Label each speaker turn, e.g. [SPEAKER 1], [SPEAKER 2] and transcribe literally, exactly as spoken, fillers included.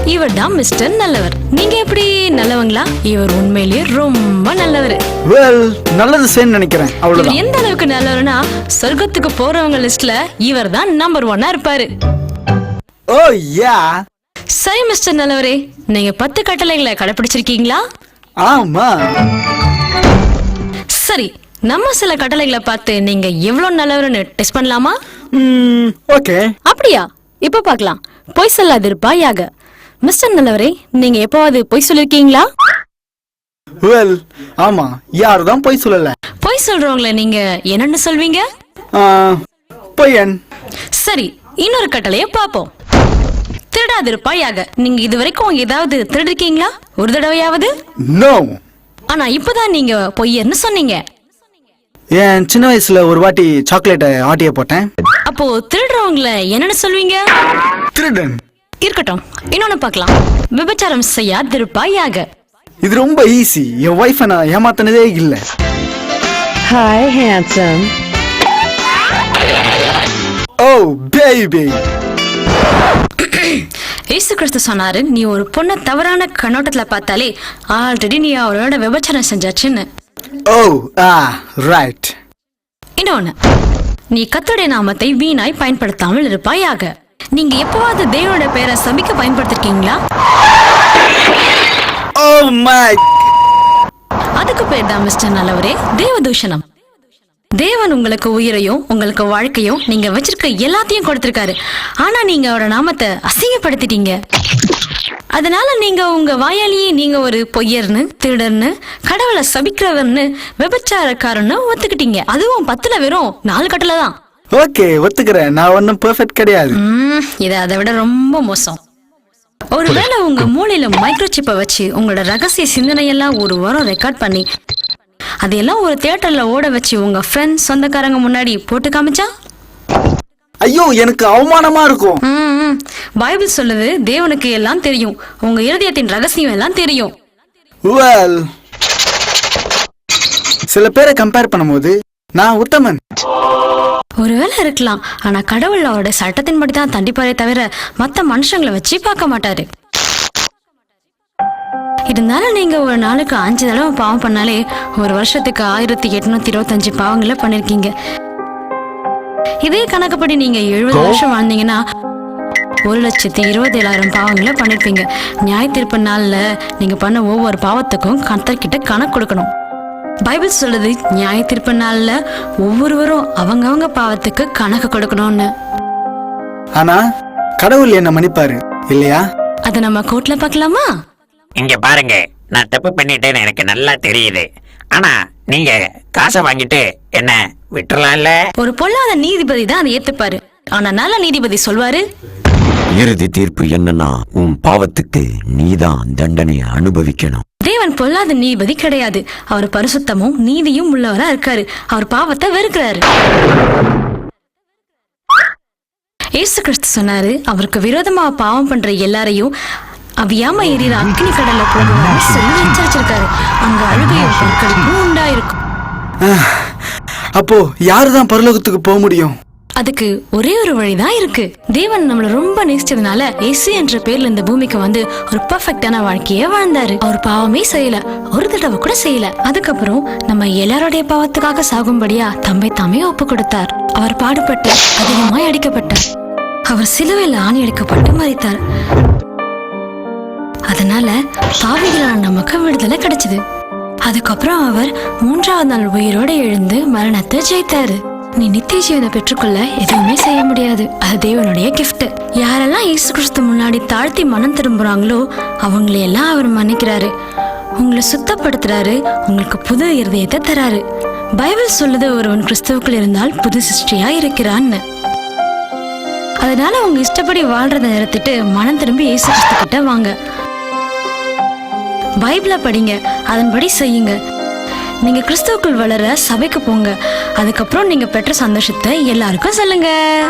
[SPEAKER 1] இவர் தான் மிஸ்டர் நல்லவர். நீங்க எப்படி நல்லவங்களா? இவர் உண்மையிலேயே ரொம்ப நல்லவர்.
[SPEAKER 2] வெல், நல்லது செய்யணும்னு நினைக்கிறேன்.
[SPEAKER 1] இவர்
[SPEAKER 2] அவ்வளவுதான்.
[SPEAKER 1] எந்த அளவுக்கு நல்லவர்னா சொர்க்கத்துக்கு போறவங்க லிஸ்ட்ல இவர் தான் நம்பர் ஒன்னா இருப்பாரு.
[SPEAKER 2] ஓ யா.
[SPEAKER 1] சரி மிஸ்டர் நல்லவரே, நீங்க பத்து கட்டளைகளை கடைபிடிச்சிருக்கீங்களா?
[SPEAKER 2] ஆமா.
[SPEAKER 1] சரி, நம்ம சில கட்டளைகளை பார்த்து நீங்க எவ்வளவு நல்லவர்னு டெஸ்ட் பண்ணலாமா?
[SPEAKER 2] ம், ஓகே.
[SPEAKER 1] அப்படியா? இப்ப பார்க்கலாம். பொய் சொல்லாதிருப்பாயாக. மிஸ்டர் நல்லவரே, நீங்க எப்பவாவது பொய் சொல்லிருக்கீங்களா?
[SPEAKER 2] வெல், ஆமா. யாருதான் போய் சொல்லல.
[SPEAKER 1] பொய் சொல்றவங்கள நீங்க என்னன்னு சொல்வீங்க?
[SPEAKER 2] ஆ, பொய்யன்.
[SPEAKER 1] சரி, இன்னொரு கட்டளைய பாப்போம். திருடாதிருப்பாயாக. நீங்க இதுவரைக்கும் ஏதாவது திருடிருக்கீங்களா? ஒரு தடவையாவது?
[SPEAKER 2] நோ.
[SPEAKER 1] ஆனா இப்பதான் நீங்க பொய்யர்னு சொன்னீங்க.
[SPEAKER 2] என் சின்ன வயசுல ஒரு வாட்டி சாக்லேட்டை ஆட்டிய போட்டேன்.
[SPEAKER 1] அப்போ திருடுறவங்கள என்னன்னு சொல்வீங்க?
[SPEAKER 2] திருடன்.
[SPEAKER 1] இருக்கட்டும், இன்னொன்னு பார்க்கலாம். விபச்சாரம் செய்யாதிருப்பாயாக.
[SPEAKER 2] இது ரொம்ப ஈஸி. என் வைஃபை நான் ஏமாத்தினதே இல்ல.
[SPEAKER 3] Hi, handsome.
[SPEAKER 2] Oh baby.
[SPEAKER 1] இயேசு கிறிஸ்து சொன்னாரு, நீ ஒரு பொண்ணை தவறான கண்ணோட்டத்துல பார்த்தாலே ஆல்ரெடி நீ அவளோட விபச்சாரம் செஞ்சாச்சுன்னு.
[SPEAKER 2] ஓ ஆ ரைட்.
[SPEAKER 1] இன்னொன்னு, நீ கர்த்தருடைய நாமத்தை வீணாய் பயன்படுத்தாமல் இருப்பாயாக. நீங்க எப்பவாவது தேவனோட பேரை சபிக்க பயன்படுத்திருக்கீங்களா?
[SPEAKER 2] Oh my.
[SPEAKER 1] அதுக்கு பேர் தான் மிஸ்டர் நல்லவரே தேவதூஷணம். தேவன் உங்களுக்கு உயிரையும் உங்களுக்கு வாழ்க்கையும் நீங்க வச்சிருக்க எல்லாத்தையும் கொடுத்திருக்காரு. ஆனா நீங்க அவரோட நாமத்தை அசிங்கப்படுத்திட்டீங்க. அதனால நீங்க உங்க வாயாலேயே நீங்க ஒரு பொய்யர்னு, திருடர்னு, கடவுளை சபிக்கிறவர்னு, விபச்சாரக்காரன்னு ஒத்துக்கிட்டீங்க. அதுவும் பத்துல வெறும் நாலு கட்டளை தான்.
[SPEAKER 2] ஓகே, ஒத்துக்கிறேன். நான் ஒன்னும் பெர்ஃபெக்ட் கிடையாது.
[SPEAKER 1] ம், இது அதை விட ரொம்ப மோசம். ஒருவேளை உங்க மூளையில மைக்ரோசிப்பை வச்சு உங்களோட ரகசிய சிந்தனையெல்லாம் ஒரு வாரம் ரெக்கார்ட் பண்ணி அதையெல்லாம் ஒரு தியேட்டர்ல ஓட வச்சு உங்க ஃப்ரெண்ட்ஸ் சொந்தக்காரங்க முன்னாடி போட்டு காமிச்சா?
[SPEAKER 2] ஐயோ, எனக்கு அவமானமா இருக்கும்.
[SPEAKER 1] ம், பைபிள் சொல்லுது, தேவனுக்கு எல்லாம் தெரியும், உங்க இருதயத்தின் ரகசியம் எல்லாம் தெரியும்.
[SPEAKER 2] வெல், சில பேரை கம்பேர் பண்ணும்போது நான் உத்தமன்.
[SPEAKER 1] ஒருவேளை இருக்கலாம். ஆனா கடவுள் அவரோட சட்டத்தின்படி தான் தண்டிப்பாரே தவிர மத்த மனுஷங்களை வச்சு பார்க்க மாட்டாரு. இருந்தாலும் நீங்க ஒரு நாளுக்கு அஞ்சு தடவை பாவம் பண்ணாலே ஒரு வருஷத்துக்கு ஆயிரத்தி எட்நூத்தி இருபத்தஞ்சு பாவங்களை பண்ணிருக்கீங்க. இதே கணக்குப்படி நீங்க எழுபது வருஷம் வாழ்ந்தீங்கன்னா ஒரு லட்சத்தி இருபத்தி ஏழாயிரம் பாவங்களை பண்ணிருப்பீங்க. நியாய தீர்ப்பு நாள்ல நீங்க பண்ண ஒவ்வொரு பாவத்துக்கும் கர்த்தர்கிட்ட கணக்கு கொடுக்கணும். பைபிள் சொல்லுது, நியாய தீர்ப்பு நாள்ல ஒவ்வொருவரும் அவங்கவங்க பாவத்துக்கு கணக்கு கொடுக்கணும்னு.
[SPEAKER 2] ஆனா கடவுள் என்ன மன்னிப்பாரு இல்லையா?
[SPEAKER 1] அத நம்ம கோர்ட்ல பார்க்கலாமா?
[SPEAKER 4] இங்க பாருங்க, நான் தப்பு பண்ணிட்டேன்னு எனக்கு நல்லா தெரியுது. ஆனா நீங்க காசை வாங்கிட்டு என்ன விட்டுறலாம்ல?
[SPEAKER 1] ஒரு பொல்லாத நீதிபதி தான் அதை ஏத்துப்பாரு. ஆனா நல்ல நீதிபதி சொல்வாரு,
[SPEAKER 5] இறுதி தீர்ப்பு என்னன்னா, உன் பாவத்துக்கு நீதான் தண்டனையை அனுபவிக்கணும்.
[SPEAKER 1] தேவன் பொல்லாத நீதிபதி கிடையாது. அவர் பரிசுத்தமும் நீதியும் உள்ளவரா இருக்காரு. அவர் பாவத்தை வெறுக்கிறாரு. இயேசு கிறிஸ்து சொன்னாரு, அவருக்கு விரோதமா பாவம் பண்ற எல்லாரையும் அவியாம எரியிற அக்னி கடல்ல போடுவாரு சொல்லி எச்சரிச்சிருக்காரு. அங்க அழுகையும் பொருட்களுக்கும் உண்டாயிருக்கும்.
[SPEAKER 2] அப்போ யாருதான் பரலோகத்துக்கு போக முடியும்?
[SPEAKER 1] அதுக்கு ஒரே ஒரு வழிதான் இருக்கு. தேவன் நம்மள ரொம்ப நேசிச்சதுனால இயேசு என்ற பேர்ல இந்த பூமிக்கு வந்து ஒரு பெர்ஃபெக்ட்டான வாழ்க்கைய வாழ்ந்தாரு. அவர் பாவமே செய்யல, ஒரு தடவை கூட செய்யல. அதுக்கப்புறம் நம்ம எல்லாரோடைய பாவத்துக்காக சாகும்படியா தம்மை தாமே ஒப்பு கொடுத்தார். அவர் பாடுபட்டு அதிகமாய் அடிக்கப்பட்டார். அவர் சிலுவையில் ஆணி அடிக்கப்பட்டு மரித்தார். அதனால பாவிகளான நமக்கு விடுதலை கிடைச்சது. அதுக்கப்புறம் அவர் மூன்றாவது நாள் உயிரோட எழுந்து மரணத்தை ஜெயித்தாரு. நீ நித்திய ஜீவனை பெற்றுக்கொள்ள எதுவுமே செய்ய முடியாது. அது தேவனுடைய கிஃப்ட். யாரெல்லாம் இயேசு கிறிஸ்து முன்னாடி தாழ்த்தி மனம் திரும்புறாங்களோ அவங்களையெல்லாம் அவர் மன்னிக்கிறாரு, உங்களை சுத்தப்படுத்துறாரு, உங்களுக்கு புது இருதயத்தை தராரு. பைபிள் சொல்லுது, ஒருவன் கிறிஸ்துவுக்குள் இருந்தால் புது சிருஷ்டியா இருக்கிறான்னு. அதனால உங்க இஷ்டப்படி வாழ்றதை நிறுத்திட்டு மனம் திரும்பி இயேசு கிறிஸ்து கிட்ட வாங்க. பைபிளை படிங்க, அதன்படி செய்யுங்க. நீங்க கிறிஸ்துவுக்குள் வளர சபைக்கு போங்க. அதுக்கப்புறம் நீங்க பெற்ற சந்தோஷத்தை எல்லாருக்கும் சொல்லுங்க.